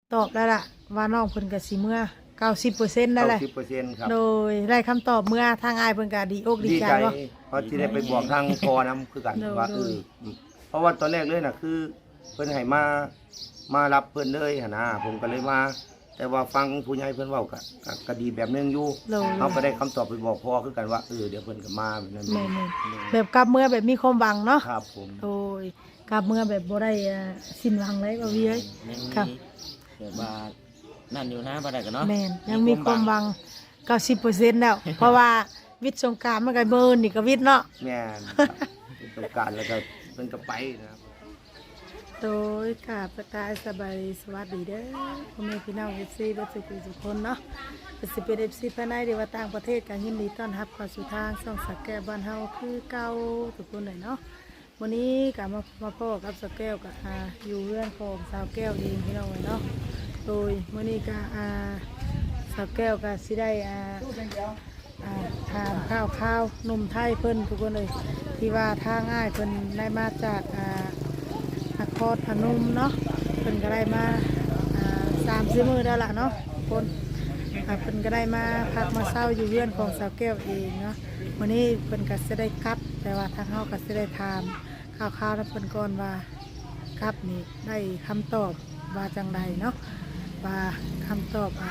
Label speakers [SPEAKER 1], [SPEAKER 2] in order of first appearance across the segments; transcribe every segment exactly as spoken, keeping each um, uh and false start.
[SPEAKER 1] ตอบแล้วล่ะว่าน้องเพิ่นก็สิเมื่อเก้าสิบเปอร์เซ็นต์นั่นแหละ
[SPEAKER 2] เก้าสิบเปอร์เซ็นต์ครับ
[SPEAKER 1] โดยได้คำตอบเมื่อทางอายเพิ่นก็ดีอกดี
[SPEAKER 2] ดี
[SPEAKER 1] ใจ
[SPEAKER 2] ใจ
[SPEAKER 1] บ่
[SPEAKER 2] เพราะที่ได้ไปบอกทางพอนํคือกัน
[SPEAKER 1] โดย
[SPEAKER 2] ว่า
[SPEAKER 1] โด
[SPEAKER 2] เอย อเพราะว่าตอนแรกเลยน่ะคือเพิ่นให้มามารับเพิ่นเลยหั่นนะผมก็เลยมาแต่ว่าฟังผู้ใหญ่เพิ่นเว้าก็ก็ก็ดีแบบนึงอยู่
[SPEAKER 1] โดย
[SPEAKER 2] เฮาก็ได้คำตอบไปบอกพ่อคือกันว่าเออเดี๋ยวเพิ่นก็มาแบบนั้น
[SPEAKER 1] แม่นๆแบบกลับเมื่อแบบมีความหวังเนาะ
[SPEAKER 2] ครับผม
[SPEAKER 1] โดยกลับเมื่อแบบบ่ได้อ่าสิ้นหวังเลยบ่วีเอ้ย
[SPEAKER 3] ยัง
[SPEAKER 1] ครับ
[SPEAKER 3] มีแบบว่านั่นอยู่นะบ่ได้กันเนาะ
[SPEAKER 1] แม่นยังมีความหวังเก้าสิบเปอร์เซ็นต์แล้ว เพราะว่าวิทย์สงกรานต์มันก็เบิ่นนี่ก็วิทย์เนาะ
[SPEAKER 2] แม่นครับเป็นต้องการแล้วก็เพิ่นก็ไปนะครับ
[SPEAKER 1] โดยกราบสกายสบายดีสวัสดีเด้อพ่อแม่พี่น้อง เอฟ ซี เบ่สุขทุกคนเนาะจะสิเป็น เอฟ ซี ภายในหรือว่าต่างประเทศก็ยินดีต้อนรับเข้าสู่ทางช่องสักแก้วบ้านเฮาคือเก่าทุกคนเลยเนาะวันนี้ก็มามาพ่อกับสักแก้วกับอ่าอยู่เรือนของสาวแก้วเองพี่น้องเลยเนาะโดยวันนี้ก็อ่าสาวแก้วก็สิได้อ่าอ่าทานข้าวข้าวนมไทยเพิ่นทุกคนเลยที่ว่าทางง่ายเพิ่นได้มาจากอ่านครพนมเนาะเพิ่นก็ได้มาอ่าสามสี่มื้อแล้วล่ะเนาะคนอ่าเพิ่นก็ได้มาพักมาเศร้าอยู่เรือนของสาวแก้วเองเนาะวันนี้เพิ่นก็จะได้กลับ แต่ว่าทางเฮาก็จะได้ถามข่าวๆนะเพิ่นก่อนว่ากลับนี่ได้คำตอบว่าจังใดเนาะว่าคำตอบอ่า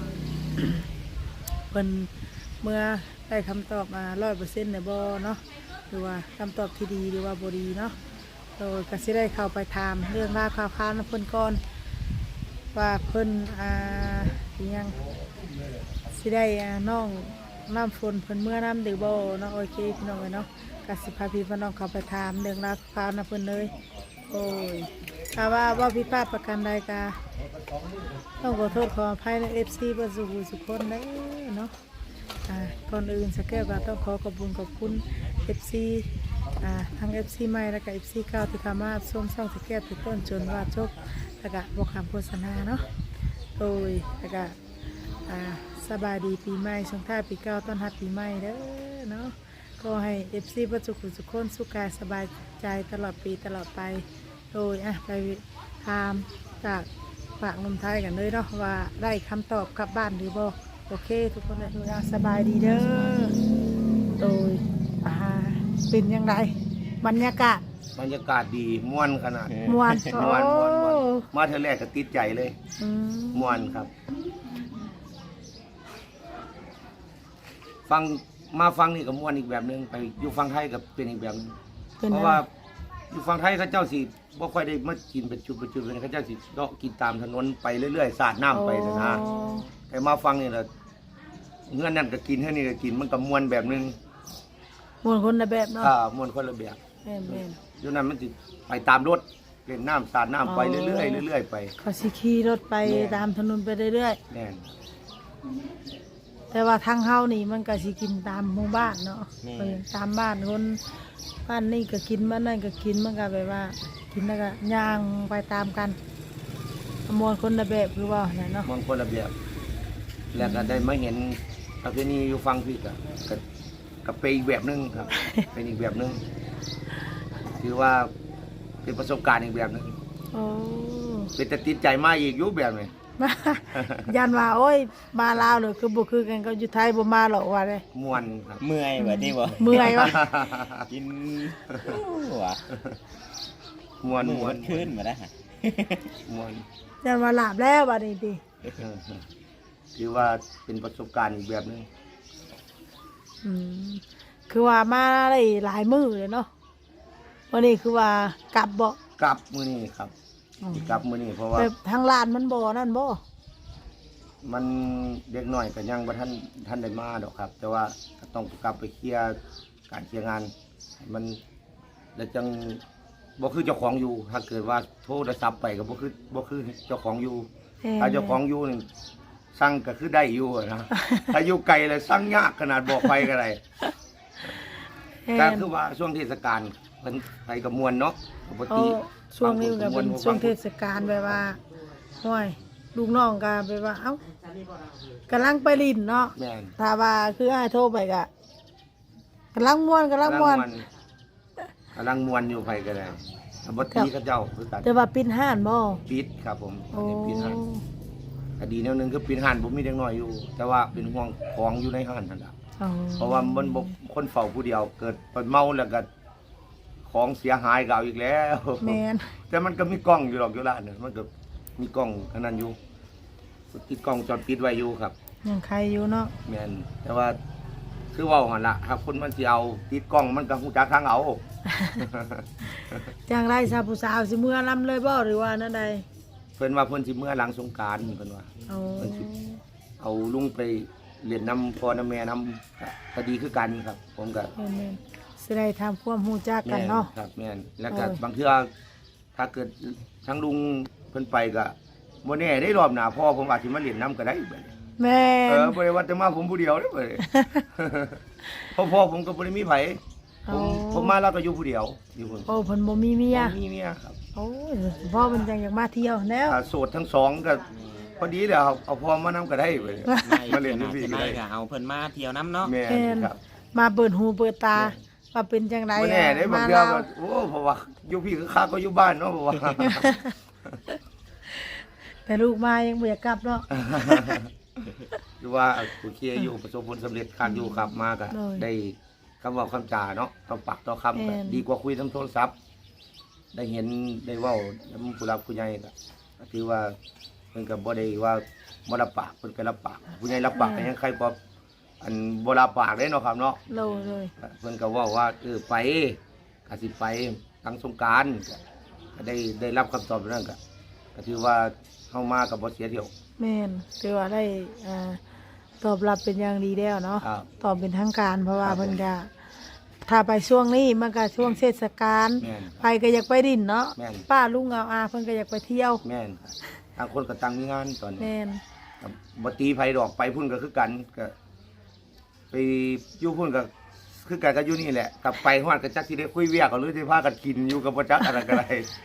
[SPEAKER 1] เพิ่นเมื่อได้คำตอบมาร้อยเปอร์เซ็นต์ในบ่เนาะหรือว่าคำตอบที่ดีหรือว่าบ่ดีเนาะโดยก็สิได้เข้าไปถามเรื่องราวข่าวๆนะเพิ่นก่อนว่าเพิ่นอ่าอิหยังสิได้อ่าน้องน้ำฝนเพิ่นเมื่อน้ำหรือบ่เนาะโอเคพี่น้องเอ้ยเนาะก็สิพาพี่พี่น้องเข้าไปถามเรื่องราวข่าวนะเพิ่นเลยโอ้ยถ้าว่าว่าผิดพลาดประการใดก็ต้องขอโทษขออภัยใน เอฟ ซี เบ่สุขสุขคนเด้อเนาะ อ่าก่อนอื่นสักแก้วก็ต้องขอขอบคุณขอบคุณ เอฟ ซี อ่าทั้ง เอฟ ซี ใหม่และก็ เอฟ ซี เก่าที่เข้ามาส้มช่องสักแก้วติดต้นจนว่าจบแล้วก็บอกคำโฆษณาเนาะโดยแล้วก็อ่าสบายดีปีใหม่ส่งท้ายปีเก่าต้อนรับปีใหม่เด้อเนาะก็ให้ เอฟ ซี ประจุขุสุขคนสุขกายสบายใจตลอดปีตลอดไปโดยอ่ะไปถามจากปากนมไทยกันเลยเนาะว่าได้คำตอบกลับบ้านหรือบ่ โอเคทุกคนเลยสบายดีเด้อโดยอ่าเป็นยังไงบรรยากาศ
[SPEAKER 2] บรรยากาศดีม่วนขนาด
[SPEAKER 1] มวน
[SPEAKER 2] ม่วนม่วนม่วน
[SPEAKER 1] โอ้
[SPEAKER 2] มาเท่าแรกก็ติดใจเลย
[SPEAKER 1] อืม
[SPEAKER 2] ม่วนครับ ฟังมาฟังนี่ก็ม่วนอีกแบบหนึงไปอยู่ฟังไทยก็เป็นอีกแบบหนึง
[SPEAKER 1] เป็น
[SPEAKER 2] เพ
[SPEAKER 1] ยั
[SPEAKER 2] ราะ
[SPEAKER 1] งไง
[SPEAKER 2] ว่าอยู่ฝั่งไทยเขาเจ้าสิบ่ค่อยได้มากินเป็นจุดเป็นจุดเลยเขาเจ้าสิเลาะกินตามถนนไปเรื่อยๆสาดน้ำไปนะนะ
[SPEAKER 1] อ๋อ
[SPEAKER 2] แต่มาฟังนี่ล่ะเงื่อนนั่นก็กินเท่านี้ก็กินมันก็ม่วนแบบนึง
[SPEAKER 1] มวนคนละแบบเนาะ
[SPEAKER 2] ถ้ามวนคนละแบบ
[SPEAKER 1] แม่นแม่น
[SPEAKER 2] อยู่นั้นมันสิไปตามรถเล่นน้ำสาดน้ำไป
[SPEAKER 1] อ๋อ
[SPEAKER 2] เรื่อยๆเรื่อยๆไป
[SPEAKER 1] เขาสิขี่รถไป
[SPEAKER 2] แม่
[SPEAKER 1] ตามถนนไปเรื่อย
[SPEAKER 2] แน่น
[SPEAKER 1] ๆแต่ว่าทางเฮานี่มันก็สิกินตามหมู่บ้านเนาะเออตามบ้านคนบ้านนี่ก็กินบ้านนั่นก็กินมันก็แบบว่า กินแล้วก็ย่างไปตามกันมวนคนละแบบคือว่าเนี่ยเนาะ
[SPEAKER 2] มวนคนละแบบแล้วก็ได้มาเห็นประเพณีอยู่ฟังพี่ก็ก็ก็เป็นอีกแบบหนึงครับ เป็นอีกแบบหนึงถือว่าเป็นประสบการณ์อีกแบบหนึง
[SPEAKER 1] โอ้
[SPEAKER 2] เป็นแต่ติดใจมากอีกอยุบแบบนี้
[SPEAKER 1] มายันว่าโอ้ยมาลาวเลยคือบุคือกันก็อยู่ไทยบ่มาหรอกว่าเลย
[SPEAKER 2] ม่วนครับ
[SPEAKER 3] เมื่อยแบบนี้บ่
[SPEAKER 1] เมื่อยวะ
[SPEAKER 3] กินหัว
[SPEAKER 2] ม่วน
[SPEAKER 3] มือ
[SPEAKER 2] ม่ว
[SPEAKER 3] มัน นขึ้นมาได้ฮะ
[SPEAKER 2] ม่วน
[SPEAKER 1] ยันว่าหลาบแล้วบัดนี้ติ
[SPEAKER 2] ถือว่าเป็นประสบการณ์อีกแบบหนึง
[SPEAKER 1] อืมคือว่ามาได้หลายมื้อเลยเนาะวันนี้คือว่ากลับบ่
[SPEAKER 2] กลับมื้อนี้ครับกลับมื้อนี้เพราะว่า
[SPEAKER 1] แบบทางลานมันบ่นั่นบ่
[SPEAKER 2] มันเด็กน้อยก็ยังบ่ทันทันได้มาดอกครับ แต่ว่าก็ต้องกลับไปเคลียร์การเคลียร์งานให้มันแล้วจังบ่คือเจ้าของอยู่ ถ้าเกิดว่าโทรศัพท์ไปก็บ่คือบ่คือเจ้าของอยู่ ถ้าเจ้าของอยู่นี่สั่งก็คือได้อยู่อะนะ ถ้าอยู่ไกลเลยสั่งยากขนาดบอกไปก็ได้
[SPEAKER 1] แม่
[SPEAKER 2] ก็
[SPEAKER 1] น
[SPEAKER 2] คือว่าช่วงเทศกาลเพิ่นไปกับมวลเนาะปก
[SPEAKER 1] เอา
[SPEAKER 2] ติ
[SPEAKER 1] ช่วงนี้ก็เป็น
[SPEAKER 2] บางค
[SPEAKER 1] ช่วงเทศกาลแบบว่าห้วยลูกน้องก็แบบว่าเอ้า กำลังไปลินเนาะ
[SPEAKER 2] แม่น
[SPEAKER 1] ถ้าว่าคืออ้ายโทรไปกะกำลังม่วนกำลังม่วน
[SPEAKER 2] กำลังมวนอยู่ไผก็ได้ปกติเขาเจ้าคือกัน
[SPEAKER 1] แต่ว่าปินห้านบ่
[SPEAKER 2] ปิดครับผม
[SPEAKER 1] โอ้
[SPEAKER 2] อันนี้ปิดฮะก็ดีแนวหนึงคือเป็นห้านบ่มีเด็กน้อยอยู่ แต่ว่าเป็นห่วงของอยู่ในห้านนั่นล่ะ
[SPEAKER 1] อ๋อ
[SPEAKER 2] เพราะว่ามันบ่คนเฝ้าผู้เดียวเกิดไปเมาแล้วก็ของเสียหายก็เอาอีกแล้ว
[SPEAKER 1] แม่น
[SPEAKER 2] แต่มันก็มีกล้องอยู่หรอกอยู่ร้านน่ะมันก็มีกล้องอันนั้นอยู่ติดกล้องจอดปิดไว้อยู่ครับ
[SPEAKER 1] ยังใครอยู่เนาะ
[SPEAKER 2] แม่นแต่ว่าคือเว้าหั่นล่ะครับคนมันสิเอาติดกล้องมันก็ฮู้จักทางเอา
[SPEAKER 1] จังไรซาผู้สาวสิเมื่อลำเลยบ่หรือว่านั่นใด
[SPEAKER 2] เพิ่นว่าเพิ่นสิเมื่อหลังสงกรานต์เพิ่นว่า
[SPEAKER 1] เอา
[SPEAKER 2] เพิ่นสิ เอาลุงไปเรียนนำพ่อนำแม่นำก็ดีคือกันครับ ผมก็
[SPEAKER 1] แม่นๆสิได้ทำความรู้จักกันเนาะ
[SPEAKER 2] แม่ครับแม่นแล้วก็
[SPEAKER 1] โอ้ย
[SPEAKER 2] บางเทื่อถ้าเกิดทั้งลุงเพิ่นไปก็บ่แน่ได้รอบหน้าพ่อผมอาจสิมาเรียนนำก็ได้บัดนี้
[SPEAKER 1] แม่
[SPEAKER 2] เอน อบ่ได้ว่าแต่มาผมผู้เดียวเด้อบัดนี้ เพราะพ่อผมก็บ่ได้มีไผผมผมมาแล้วก็อยู่ผู้เดียวอยู่พุ่น
[SPEAKER 1] โอ้เพิ่นบ่มีเมีย
[SPEAKER 2] ผมมีเมียครับ
[SPEAKER 1] โอ้ยพ่อเพิ่นจังอยากมาเที่ยวแล้ว
[SPEAKER 2] ถ้าโสดทั้งสองก็พอดีแล้วครับเอาพ่อมานำก็ได้บัดนี้
[SPEAKER 3] ไม่
[SPEAKER 2] มาเรียน
[SPEAKER 3] ข
[SPEAKER 2] ที่
[SPEAKER 3] นาด
[SPEAKER 2] พี่
[SPEAKER 3] จะ
[SPEAKER 2] ก็
[SPEAKER 3] ไม่
[SPEAKER 2] ได้
[SPEAKER 3] ก็เอาเพิ่นมาเที่ยวน้ำเนาะ
[SPEAKER 2] แม่
[SPEAKER 1] แม่น
[SPEAKER 2] นครับ
[SPEAKER 1] มาเปิดหูเปิดตาว่าเป็นจังได
[SPEAKER 2] บ่แน่ได้บาง
[SPEAKER 1] มา
[SPEAKER 2] เทื่อ
[SPEAKER 1] ลาว
[SPEAKER 2] ก็โอ้เพราะว่าอยู่พี่คือคักก็อยู่บ้านเนาะเพราะว่า
[SPEAKER 1] แต่ลูกมายังบ่อยากกลับเนาะ
[SPEAKER 2] คือว่าโอเคอยู่ประสบผลสำเร็จคักอยู่ครับมาก็
[SPEAKER 1] เลย
[SPEAKER 2] ได้คำเว่าคำจาเนาะต่อปากต่อคำก็
[SPEAKER 1] แม่น
[SPEAKER 2] ดีกว่าคุยทางโทรศัพท์ ได้เห็นได้เว้าแล้วผู้รับผู้ใหญ่ก็ก็ถือว่าเพิ่นก็บ่ได้ว่าบ่รับปากเพิ่นก็รับปากผู้ใหญ่รับปากก็ยังใครบ่อันบ่รับปากเด้เนาะครับเนาะ
[SPEAKER 1] โลเลย
[SPEAKER 2] เพิ่นก็เว้าว่าเออไปก็สิไปทางสงกรานต์ก็ก็ได้ได้รับคำตอบนั้นก็ก็ถือว่าเฮามาก็บ่เสียเที่ยว
[SPEAKER 1] แม่นถือว่าได้อ่าตอบรับเป็นอย่างดีแล้วเนาะ
[SPEAKER 2] ครับ
[SPEAKER 1] ตอบเป็นทางการเพราะว่า
[SPEAKER 2] ครับ
[SPEAKER 1] เพิ่นก็ถ้าไปช่วงนี้มันก็ช่วงเทศกาล
[SPEAKER 2] แม่น
[SPEAKER 1] ไปก็อยากไปดินเนาะ
[SPEAKER 2] แม่น
[SPEAKER 1] ป้าลุงเอาอาเพิ่นก็อยากไปเที่ยว
[SPEAKER 2] แม่นครับทางคนก็ตั้งมีงานตอนนี้
[SPEAKER 1] แม่น
[SPEAKER 2] ครับบ่ตีไผดอกไปพุ่นก็คือกันก็ไปอยู่พุ่นก็คือกันก็อยู่นี่แหละกลับไปฮอดก็จักสิได้คุยเวียกกันหรือสิพากันกินอยู่กับบ่จักอะไรก็ได้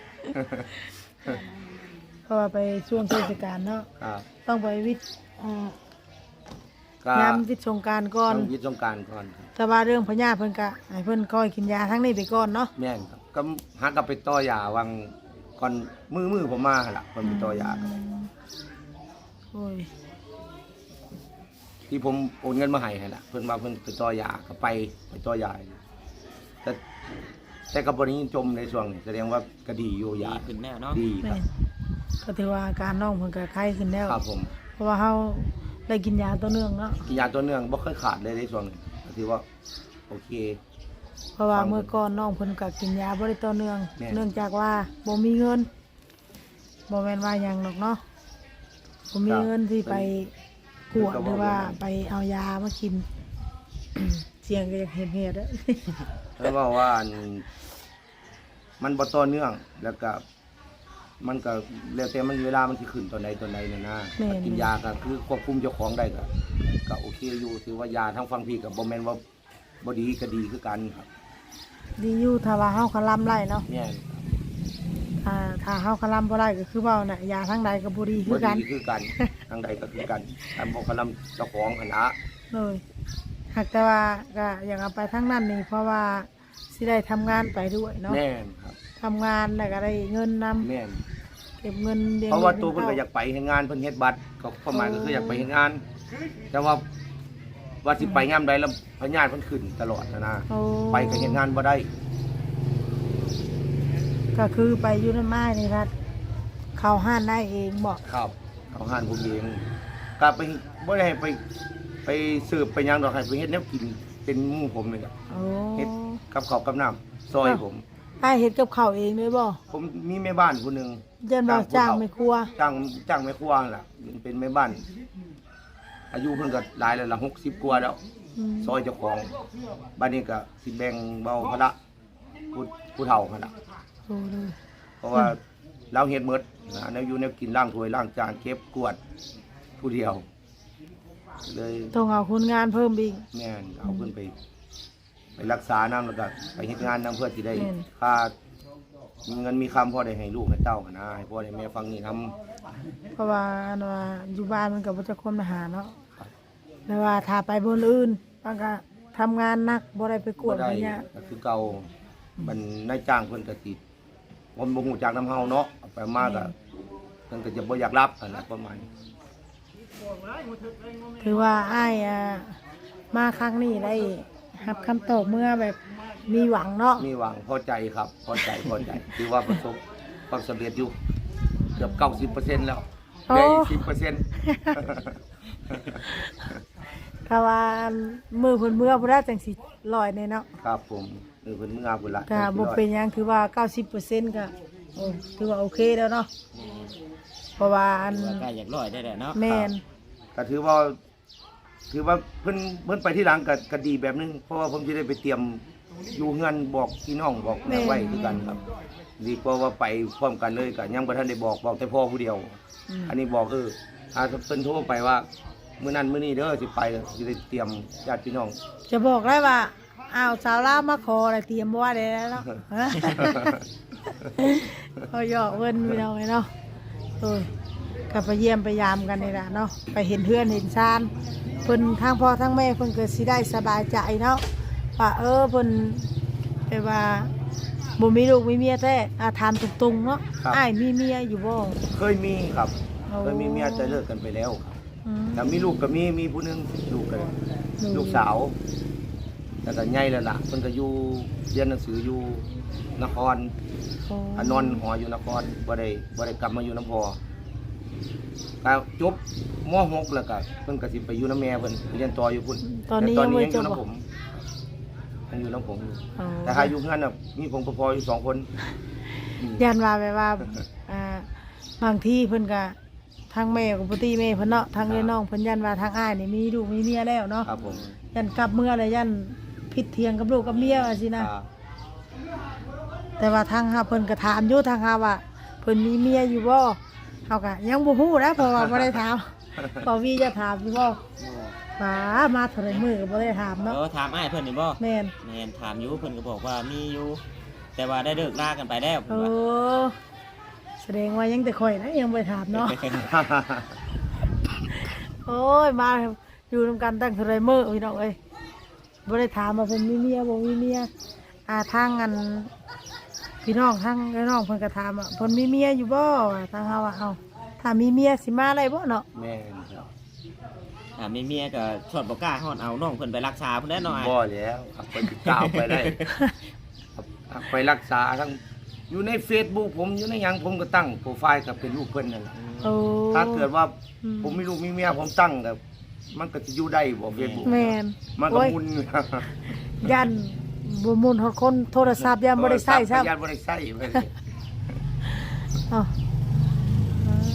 [SPEAKER 1] เพราะว่าไปช่วงเทศกาลเนาะ
[SPEAKER 2] ครับ
[SPEAKER 1] ต้องไปวิทย์อ่า
[SPEAKER 2] ก็
[SPEAKER 1] ยามวิทย์สงกรารก่อน
[SPEAKER 2] ต้องวิทย์สงกรารก่อนครับ
[SPEAKER 1] แต่ว่าเรื่องพญาเพิ่นก็ให้เพิ่นคอยกินยาทั้งนี้ไปก่อนเนาะ
[SPEAKER 2] แม่นครับก็หากลับไปต่อยาวังก่อนมือมือผมมาหั่นล่ะเพิ่นไปต่อยากัน
[SPEAKER 1] โอ้ย
[SPEAKER 2] ที่ผมโอนเงินมาให้หั่นล่ะเพิ่นว่าเพิ่นไปต่อยาก็ไปไปต่อยาแต่แต่ก็บ่ได้จมในช่วงนี้แสดงว่าก็ดีอยู่
[SPEAKER 3] ดี
[SPEAKER 2] ยา
[SPEAKER 3] ขึ้นแน่เนาะ
[SPEAKER 2] ดีค
[SPEAKER 1] แม่
[SPEAKER 2] รับ
[SPEAKER 1] นก็ถือว่าอาการน้องเพิ่นก็ไข้ขึ้นแล้ว
[SPEAKER 2] ครับผม
[SPEAKER 1] เพราะว่าเฮาได้กินยาตัวเนื่องเนาะ
[SPEAKER 2] กินยาตัวเนื่องบ่เคยขาดเลยในช่วงนี้ก็ถือว่าโอเค
[SPEAKER 1] เพราะว่า
[SPEAKER 2] ฟัง
[SPEAKER 1] เมื่อก่อนน้องเพิ่นก็กินยาบ่ได้ต่อเนื่อง
[SPEAKER 2] แม่น
[SPEAKER 1] เนื่องจากว่าบ่มีเงินบ่แม่นว่าหยังหรอกเนาะบ่มีเงินที่ไปกวดหรือว่าไปเอายามากิน เสียงก็อยากเห็นเหตุเด้อ
[SPEAKER 2] แล้วว่าว่าอันมันบ่ต่อเนื่อง แล้วก็ มันก็แล้วแต่มันเวลามันสิขึ้นตอนใดตอนใดน่ะนะ
[SPEAKER 1] แม่น
[SPEAKER 2] ถ้ากินยาก็คือควบคุมเจ้าของได้ก็ก็โอเคอยู่ถือว่ายาทั้งฟังพี่ก็บ่แม่นว่าบ่ดีก็ดีคือกันครับ
[SPEAKER 1] ดีอยู่ถ้าว่าเฮาคลำไล่เนาะ
[SPEAKER 2] แม่น
[SPEAKER 1] ถ้าถ้าเฮาคลำบ่ไล่ก็คือเว้าน่ะยาทั้งใดก็บ่ดีคื
[SPEAKER 2] บ่
[SPEAKER 1] อกัน
[SPEAKER 2] ดีคือกันทางใดก็คือกันอันบ่กำลังเจ้าของหั่นล่ะ
[SPEAKER 1] เลยหากแต่ว่าก็อยากเอาไปทั้งนั้นนี่เพราะว่าสิได้ทำงานไปด้วยเนาะ
[SPEAKER 2] แม่นครับ
[SPEAKER 1] ทำงานแล้วก็ได้เงินนำ
[SPEAKER 2] แม่น
[SPEAKER 1] เก็บเงินเดือน
[SPEAKER 2] เพราะว่าตัวเพิ่นก็อยากไปเฮ็ดงานเพิ่นเฮ็ดบัตรก็ประมาณก็คืออยากไปเฮ็ดงาน แต่ว่าว่าสิไปยามใดแล้วพญาติเพิ่นขึ้นตลอดนะนะ
[SPEAKER 1] โอ้
[SPEAKER 2] ไปก็เฮ็ดงานบ่ได้
[SPEAKER 1] ก็คือไปอยู่ในไม้นี่ครับเข้าห้านได้เองบอก
[SPEAKER 2] ครับเขาห้านผมเองก็ไปบ่ได้ให้ไปไปสืบไปหยังดอกให้ไปเฮ็ดแนวกินเป็นหมู่ผมนี่แหละ
[SPEAKER 1] โอ้
[SPEAKER 2] เฮ็ดกับข้าวกับน้ำซอยผม
[SPEAKER 1] ไอ้ายเฮ็ดกับข้าวเองด้วยบ่
[SPEAKER 2] ผมมีแม่บ้านผู้หนึง
[SPEAKER 1] เยันบ่จ้างไม่ครัว
[SPEAKER 2] จ้างจ้างแม่ครัวนั่นล่ะเป็นแม่บ้าน อายุเพิ่นก็หลายแล้วล่ะหกสิบกว่าแล้ว
[SPEAKER 1] อืม
[SPEAKER 2] ซอยเจ้าของบ้านนี้ก็สิแบ่งเบาภาระผู้ผู้เฒ่าหั่นล่ะ
[SPEAKER 1] โอ้เลย
[SPEAKER 2] เพราะว่าเราเฮ็ดหมดนะแนวอยู่แนวกินล้างถ้วยล้างจานเก็บกวาดผู้เดียว เลย
[SPEAKER 1] ต้องเอาคนงานเพิ่มอีก
[SPEAKER 2] แม่นเอาเพิ่นไป ไปรักษาน้ำแล้วก็ไปเฮ็ดงานนํเพื่อสิได้
[SPEAKER 1] แม่น
[SPEAKER 2] ค่ามีเงินมีคำพอได้ให้ลูกให้เต้าหั่นนะให้พ่อให้แม่ฟังนี่นํ
[SPEAKER 1] เพราะว่าอันว่าอยู่บ้านมันก็บ่จะคนมาหาเนาะแต่ว่าถ้าไปบนอื่นมันก็ทำงานหนักบ่ได้ไปกว
[SPEAKER 2] บ่
[SPEAKER 1] ด
[SPEAKER 2] ได้
[SPEAKER 1] อะไรเงี้ย
[SPEAKER 2] ก็คือเก่ามันนายจ้างเพิ่นก็สิผมบ่ฮู้จักนํเฮาเนาะเอาไปมาก็เพิ่นก็จะบ่อยากรับหั่นน่ะประมาณนี้
[SPEAKER 1] ถือว่าอ้ายอ่ามาครั้งนี้ได้รับคำตอบเมื่อแบบมีหวังเนาะ
[SPEAKER 2] มีหวังพอใจครับพอใจพอใจถือว่าประสบความสำเร็จอยู่เกือบเก้าสิบเปอร์เซ็นต์แล้วเหลืออีกสิบเปอร์เซ็นต์
[SPEAKER 1] ถ้าว่ามือเพิ่นเมื่อบ่ได้จังสิลอยแน่เนาะ
[SPEAKER 2] ครับผมเออเพิ่นมืออาบุญละ
[SPEAKER 1] ก็บ่เป็นหยังถือว่า เก้าสิบเปอร์เซ็นต์ ก็โอ้ถือว่าโอเคแล้วเนาะเพราะว่าอัน
[SPEAKER 3] ว่าใกล้อยากร้อยได้แล้วเนาะ
[SPEAKER 1] แม่น
[SPEAKER 2] ก็ถือว่า ถือว่าเพิ่นเพิ่นไปที่หลังก็ก็ดีแบบนึงเพราะว่าผมสิได้ไปเตรียมอยู่เงินบอกพี่น้องบอกแม่ไว้คือกันครับดีกว่าว่าไปพร้อมกันเลยก็ยังบ่ทันได้บอกบอกแต่พ่อผู้เดียว
[SPEAKER 1] อืม
[SPEAKER 2] อันนี้บอกเออถ้าเพิ่นโทรไปว่ามื้อนั้นมื้อนี้เด้อสิไปสิได้เตรียมญาติพี่น้อง
[SPEAKER 1] จะบอกได้ว่าอ้าวสาวลาวมาขออะไรเตรียมบ่ว่าได้แล้วเนาะ เขาหยอกเพิ่นพี่น้องไอ้เนาะโอ้ยก็ไปเยี่ยมไปยามกันนี่ล่ะเนาะไปเห็นเพื่อนเห็นชานเพิ่นทางพ่อทางแม่เพิ่นก็สิได้สบายใจเนาะว่าเออเพิ่นแปลว่าบ่มีลูกมีเมียแท้อ่าถามตรงๆเนาะอ้ายมีเมียอยู่บ่
[SPEAKER 2] เคยมีครับ
[SPEAKER 1] โอ้
[SPEAKER 2] เคยมีเมียแต่เลิกกันไปแล้วครับ
[SPEAKER 1] อืม
[SPEAKER 2] แต่มีลูกก็มีมีผู้หนึงลูกก็ลูกสาวแต่ก็ใหญ่แล้วล่ะเพิ่นก็อยู่เรียนหนังสืออยู่นคร
[SPEAKER 1] โอ้
[SPEAKER 2] อนนอนหออยู่นครบ่ได้บ่ได้กลับมาอยู่น้ำพอก็จบม หก แล้วก็เพิ่นก็สิไปอยู่น้ำแม่เพิ่นไปเรียนต่ออยู่พุ่น
[SPEAKER 1] ตอนนี้
[SPEAKER 2] แต่ตอน
[SPEAKER 1] ยัง
[SPEAKER 2] นี้
[SPEAKER 1] บ่
[SPEAKER 2] ยังอ
[SPEAKER 1] จ
[SPEAKER 2] ยู่
[SPEAKER 1] บบ่
[SPEAKER 2] น้ำผมยังอยู่น้ำผมอยู่
[SPEAKER 1] อ๋อ
[SPEAKER 2] แต่ถ้าอยู่เฮือนน่ะมีผมกับพ่ออยู่สองคนอืม
[SPEAKER 1] ยันว่าแบบว่า อ่าบางที่เพิ่นก็ทางแม่กับปติแม่เพิ่นเนาะทางเอ้ยน้องเพิ่นยันว่าทางอ้ายนี่มีลูกมีเมียแล้วเนาะ
[SPEAKER 2] ครับผม
[SPEAKER 1] ยันกลับเมื่อเลยยันผิดเทียงกับลูกกับเมียว่าสินะ
[SPEAKER 2] ครับ
[SPEAKER 1] แต่ว่าทางเฮาเพิ่นก็ถามอยู่ทางเฮาว่าเพิ่นมีเมียอยู่บ่เฮาก็ยังบ่ฮู้นะเพราะว่าบ่ได้ถาม พอวีจะถามอยู่บ่ป๋ามาเท่าไหร่มื้อก็บ่ได้ถามเนาะ
[SPEAKER 3] เออถามอ้ายเพิ่นนี่บ่
[SPEAKER 1] แม่น
[SPEAKER 3] แม่นถามอยู่เพิ่นก็บอกว่ามีอยู่ แต่ว่าได้เลิกลากันไปแล้ว
[SPEAKER 1] โอ้
[SPEAKER 3] เพิ่นว่า
[SPEAKER 1] แสดงว่ายังแต่ข่อยนะยังบ่ได้ถามเนาะ โอ้ยมาอยู่นำกันตั้งเท่าไรมื้อพี่น้องเอ้ยบ่ได้ถามว่าเพิ่นมีเมียบ่มีเมียอ่าทางอันพี่น้องทางไอ้น้องเพิ่นก็ถามว่าเพิ่นมีเมียอยู่บ่ทางเฮาว่าเอ้าถ้ามีเมียสิมาได้บ่เนาะ
[SPEAKER 2] แม่นครับ
[SPEAKER 3] อ่ามีเมียก็ชดบ่กล้าฮอดเอาน้องเพิ่นไปรักษาเพิ่นแล้วเนาะอ้าย
[SPEAKER 2] บ่แล้วครับไปติดตามไปได้ครับไปรักษาทั้งอยู่ใน Facebook ผมอยู่ในหยังผมก็ตั้งโปรไฟล์กับเป็นรูปเพิ่นนั่นแหละ
[SPEAKER 1] โอ้
[SPEAKER 2] ถ้าเกิดว่า
[SPEAKER 1] อืม
[SPEAKER 2] ผมมีลูกมีเมียผมตั้งกับมันก็จะอยู่ได้บ่ Facebook
[SPEAKER 1] แม่น
[SPEAKER 2] มันก็
[SPEAKER 1] โอ้ย
[SPEAKER 2] มุน
[SPEAKER 1] ยันบ่มุนฮอดคนโทรศัพท์ยันบ่ได้ใช้ซ้ำ
[SPEAKER 2] ยันบ่ได้ใช้ไปเลย
[SPEAKER 1] เอ้าอืม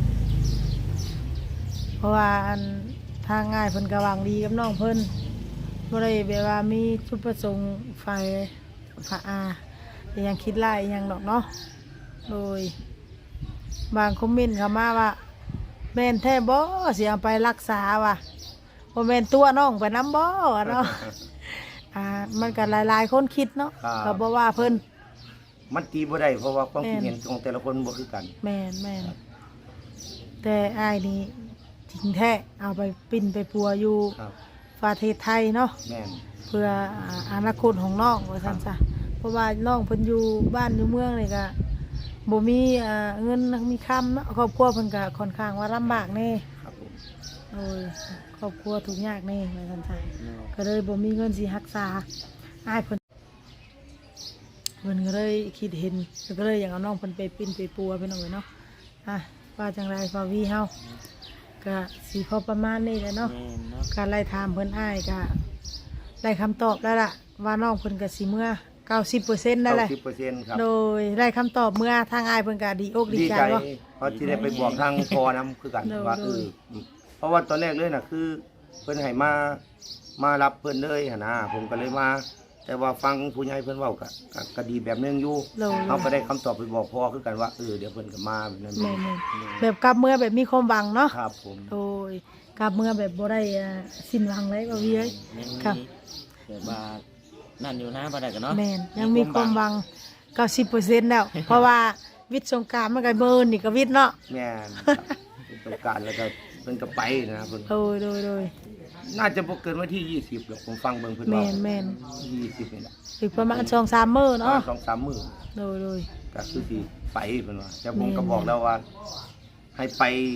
[SPEAKER 1] เพราะว่าอันทางง่ายเพิ่นก็หวังดีกับน้องเพิ่นบ่ได้แบบว่ามีจุดประสงค์ฝ่ายฝ่ายอาอิหยังคิดร้ายอิหยังดอกเนาะโดยบางคอมเมนต์เข้ามาว่าแม่นแท้บ่สิเอาไปรักษาว่ะบ่แม่นตัวน้องไปนำบ่เนาะ อ่ามันก็หลายๆคนคิดเนาะก็บ่ว่าเพิ่น
[SPEAKER 2] มันตีบ่ได้เพราะว่าความคิด
[SPEAKER 1] แม่น
[SPEAKER 2] เห็นของแต่ละคนบ่คือกัน
[SPEAKER 1] แม่นแม่นแต่อ้ายนี่จริงแท้เอาไปปิ้นไปปัวอยู่
[SPEAKER 2] ครับ
[SPEAKER 1] ประเทศไทยเนาะ
[SPEAKER 2] แม่น
[SPEAKER 1] เพื่ออ่าอนาคตของน้องว่าซั่นซะเพราะว่าน้องเพิ่นอยู่บ้านอยู่เมืองนี่ก็บ่มีอ่าเงินมีคำเนาะครอบครัวเพิ่นก็ค่อนข้างว่าลำบากแน่
[SPEAKER 2] ครับผม
[SPEAKER 1] โอ้ยครอบครัวทุกข์ยากแน่ว่าซั่นซะก็เลยบ่มีเงินสิรักษาอ้ายเพิ่นเพิ่นก็เลยคิดเห็นก็เลยอยากเอาน้องเพิ่นไปปิ้นไปปัวไปหน่อยเนาะอ่ะว่าจังไรฟาวีเฮาก็สิพอประมาณนี้แหละเนาะ
[SPEAKER 3] แม่นเนาะ
[SPEAKER 1] การไล่ถามเพิ่นอ้ายก็ได้คำตอบแล้วล่ะว่าน้องเพิ่นก็สิเมื่อ เก้าสิบเปอร์เซ็นต์ ได้แหละ
[SPEAKER 2] เก้าสิบเปอร์เซ็นต์ครับ
[SPEAKER 1] โดยได้คำตอบเมื่อทางอ้ายเพิ่นก็ดีอกดี
[SPEAKER 2] ดี
[SPEAKER 1] ใจ
[SPEAKER 2] ใจ
[SPEAKER 1] เนาะ
[SPEAKER 2] เพราะที่ได้ไปบอกทางพอนํคือกัน
[SPEAKER 1] โดย
[SPEAKER 2] ว่า
[SPEAKER 1] โด
[SPEAKER 2] เอย อเพราะว่าตอนแรกเลยน่ะคือ เพิ่นให้มามารับเพิ่นเลยหั่นนะผมก็เลยมา แต่ว่าฟังผู้ใหญ่เพิ่นเว้าก็ก็ก็ดีแบบนึงอยู่
[SPEAKER 1] โดย
[SPEAKER 2] เฮาก็ได้คำตอบไปบอกพ่อคือกันว่าเออเดี๋ยวเพิ่นก็มาแบบนั้น
[SPEAKER 1] แม่นๆแบบกลับเมื่อแบบมีความหวังเนาะ
[SPEAKER 2] ครับผม
[SPEAKER 1] โดยกลับเมื่อแบบบ่ได้อ่าสิ้นหวังเลยบ่าวีเอ้ย
[SPEAKER 3] ยังมี
[SPEAKER 1] ครับ
[SPEAKER 3] แบบว่านั่นอยู่นะบ่ได้กันเนาะ
[SPEAKER 1] แม่นยังมีความหวัง เก้าสิบเปอร์เซ็นต์ แล้ว เพราะว่าวิทย์สงกรานต์มันก็เบิ่นนี่ก็วิทย์เนาะ
[SPEAKER 2] แม่นครับเป็นต้องการแล้วก็เพิ่นก็ไปนะเพิ่น
[SPEAKER 1] โดยโดยโดย
[SPEAKER 2] น่าจะบ่เกินวันที่ยี่สิบหรอกผมฟังเบิ่งเพิ่น
[SPEAKER 1] แม่
[SPEAKER 2] เว้าน
[SPEAKER 1] แม่น
[SPEAKER 2] ยี่สิบนี่แหละ
[SPEAKER 1] อีกประมาณสองสามมื้อเนาะ
[SPEAKER 2] สองสามมื้อ
[SPEAKER 1] โดยโดย
[SPEAKER 2] ก็คือสิไปเพิ่นว่าแต่ผม
[SPEAKER 1] แม่น
[SPEAKER 2] ก็บอกแล้วว่า ให้ไปไป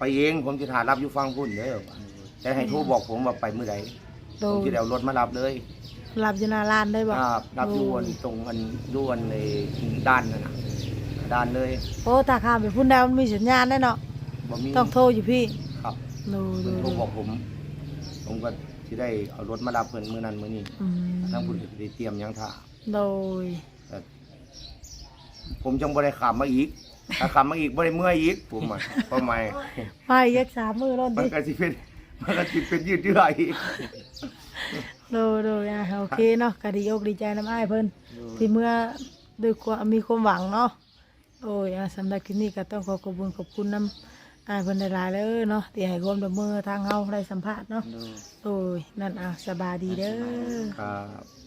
[SPEAKER 2] ไปเองผมสิถ่ารับอยู่ฟังพุ่นเด้อแต่ให้โทรบอกผมว่าไปมื้อใด
[SPEAKER 1] โด
[SPEAKER 2] ผม
[SPEAKER 1] ย
[SPEAKER 2] สิได้เอารถมารับเลย
[SPEAKER 1] รับอยู่หน้าร้านได้บ่
[SPEAKER 2] ครับรับอยู่อันตรงอันอยู่อันในด้านนั่นน่ะด้านเลย
[SPEAKER 1] โอ้ถ้าข้ามไปพุ่นดาวมันมีสัญญาณได้เนาะ
[SPEAKER 2] บ่มี
[SPEAKER 1] ต้องโทรอยู่พี่
[SPEAKER 2] ครับ
[SPEAKER 1] โดยโด
[SPEAKER 2] เพิ่น
[SPEAKER 1] ย
[SPEAKER 2] โทรบอกผม ผมก็สิได้เอารถมารับเพิ่นมื้อนั้นมื้อนี้
[SPEAKER 1] อืม
[SPEAKER 2] ทางพุ่นก็สิได้เตรียมหยังท่า
[SPEAKER 1] โดย
[SPEAKER 2] แต่ผมจังบ่ได้ขามมาอีกถ้าขามมาอีกบ่ได้เมื่อยอีกผมอ่ะเพราะไม่
[SPEAKER 1] ไปยักสามมือรถ
[SPEAKER 2] มัน
[SPEAKER 1] ดิ
[SPEAKER 2] ก็สิเป็นมันก็สิเป็นยืดเยื้ออีก
[SPEAKER 1] โดยโดยอ่ะโอเคเนาะก็ดีอกดีใจน้ำอ้ายเพิ่นที่เมื่อด้วยความมีความหวังเนาะโอ้ยอ่ะสำหรับคลิปนี้ก็ต้องขอขอบคุณขอบคุณน้ำอ้ายเพิ่นหลายๆเลยเนาะที่ให้ความร่วมมือทางเฮาได้สัมภาษณ์เนาะ
[SPEAKER 3] โดย
[SPEAKER 1] โอ้ยนั่นอ่ะสบายดีเด้อ
[SPEAKER 2] ครับ